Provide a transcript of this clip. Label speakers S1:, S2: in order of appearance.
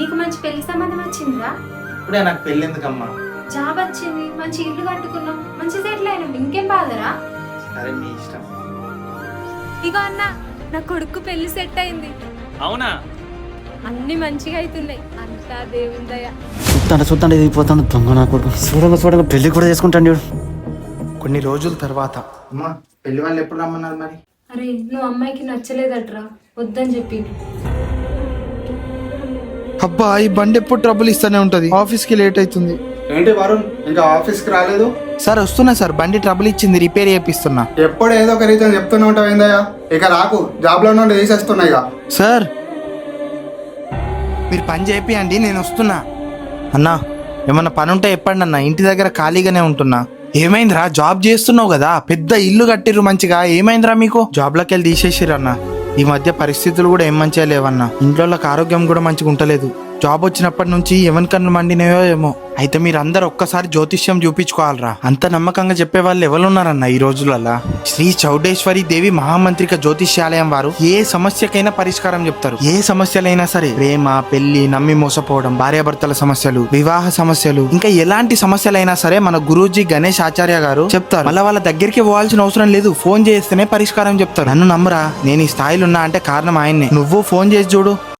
S1: నీకు మంచి పెళ్లి సంబంధం వచ్చిందిరా?
S2: ఇప్పుడే నాకు పెళ్ళి ఎందుకమ్మా?
S1: జాబ్ వచ్చింది, మంచి ఇల్లు కట్టుకున్నాం, మంచి సెటిల్ అయినాం, ఇంకేం బాధరా?
S2: సరే మీ ఇష్టం.
S1: ఇగో అన్న, నా కొడుకు పెళ్లి సెట్ అయింది.
S3: అవునా?
S1: అన్ని మంచిగా అవుతున్నాయి, అంతా దేవుని దయ.
S4: చూస్తాను ఇది దొంగ నా కొడుకు. చూడంగా పెళ్లి కూడా చేసుకుంటాను చూడు.
S2: కొన్ని రోజుల తర్వాత అమ్మా పెళ్లి వాళ్ళు ఎప్పుడు రమ్మన్నారు మరి?
S1: అరే నువ్వు అమ్మాయికి నచ్చలేదట్రా, వద్దని చెప్పి.
S5: అబ్బా ఈ బండి ఎప్పుడు ట్రబుల్ ఇస్తానే ఉంటది, ఆఫీస్ కి లేట్ అవుతుంది.
S2: ఏంటి వరుణ్ ఇంకా ఆఫీస్ కి రాలేదు?
S5: సార్ వస్తున్నా సార్, బండి ట్రబుల్ ఇచ్చింది, రిపేర్ చేపిస్తున్నా.
S2: ఎప్పుడు ఏదో ఒక రీజన్ చెప్తూనే ఉంటావు ఏందయ్యా? ఇక రాకు, జాబ్ లో నుండి తీసేస్తున్నాయి.
S5: సార్ మీరు పని చేపియండి, నేను వస్తున్నా. అన్నా ఏమన్నా పని ఉంటే చెప్పండి అన్న, ఇంటి దగ్గర ఖాళీగానే ఉంటున్నా. ఏమైందిరా, జాబ్ చేస్తున్నావు కదా, పెద్ద ఇల్లు కట్టిర్రు మంచిగా, ఏమైందిరా మీకు? జాబ్లోకి వెళ్ళి తీసేసిర్రు అన్న. ఈ మధ్య పరిస్థితులు కూడా ఏం మంచిగా లేవన్నా, ఇంట్లో ఆరోగ్యం కూడా మంచిగా ఉంటలేదు. జాబ్ వచ్చినప్పటి నుంచి ఎవరి కన్ను మండినాయో ఏమో. అయితే మీరు అందరు ఒక్కసారి జ్యోతిష్యం చూపించుకోవాలరా. అంత నమ్మకంగా చెప్పే వాళ్ళు ఎవరున్నారన్న ఈ రోజులలో? శ్రీ చౌడేశ్వరి దేవి మహామంత్రిక జ్యోతిష్యాలయం వారు ఏ సమస్యకైనా పరిష్కారం చెప్తారు. ఏ సమస్యలైనా సరే, ప్రేమ, పెళ్లి, నమ్మి మోసపోవడం, భార్యాభర్తల సమస్యలు, వివాహ సమస్యలు, ఇంకా ఎలాంటి సమస్యలైనా సరే మన గురూజీ గణేష్ ఆచార్య గారు చెప్తారు. మళ్ళీ వాళ్ళ దగ్గరికి పోవాల్సిన అవసరం లేదు, ఫోన్ చేస్తేనే పరిష్కారం చెప్తారు. నన్ను నమ్మరా, నేను ఈ స్థాయిలో ఉన్నా అంటే కారణం ఆయన్నే. నువ్వు ఫోన్ చేసి చూడు.